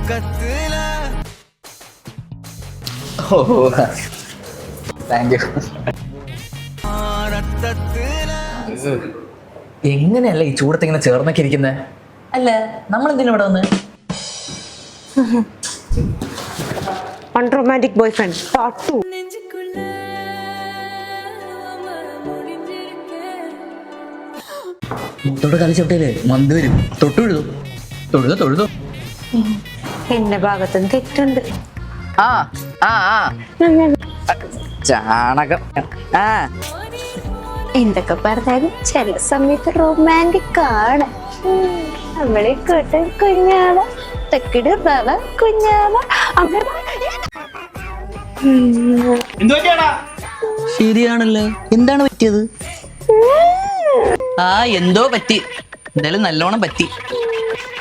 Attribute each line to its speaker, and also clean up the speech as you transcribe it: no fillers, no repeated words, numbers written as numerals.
Speaker 1: Thank you. എങ്ങനെയല്ല ഈ ചൂടത്ത് ഇങ്ങനെ ചേർന്നൊക്കെ ഇരിക്കുന്നത്? അല്ല, നമ്മളെന്തിനാ ഇവിടെ വന്ന്?
Speaker 2: Unromantic boyfriend part 2.
Speaker 1: മുത്തോടെ കളിച്ചോട്ടേല് മന്ത് വരും. തൊഴുതു.
Speaker 2: എന്റെ ഭാഗത്തും തെറ്റുണ്ട്.
Speaker 1: ആ ആ ആ ചാണകം. ആ
Speaker 2: എന്തൊക്കെ പറഞ്ഞാലും ചില സമയത്ത് റൊമാൻറ്റിക് ആണ്. നമ്മളെ കൂട്ടൻ കുഞ്ഞാള തെക്കിട് കുഞ്ഞാള
Speaker 1: ശരിയാണല്ലോ. എന്താണ് പറ്റിയത്? ആ എന്തോ പറ്റി. എന്തായാലും നല്ലോണം പറ്റി.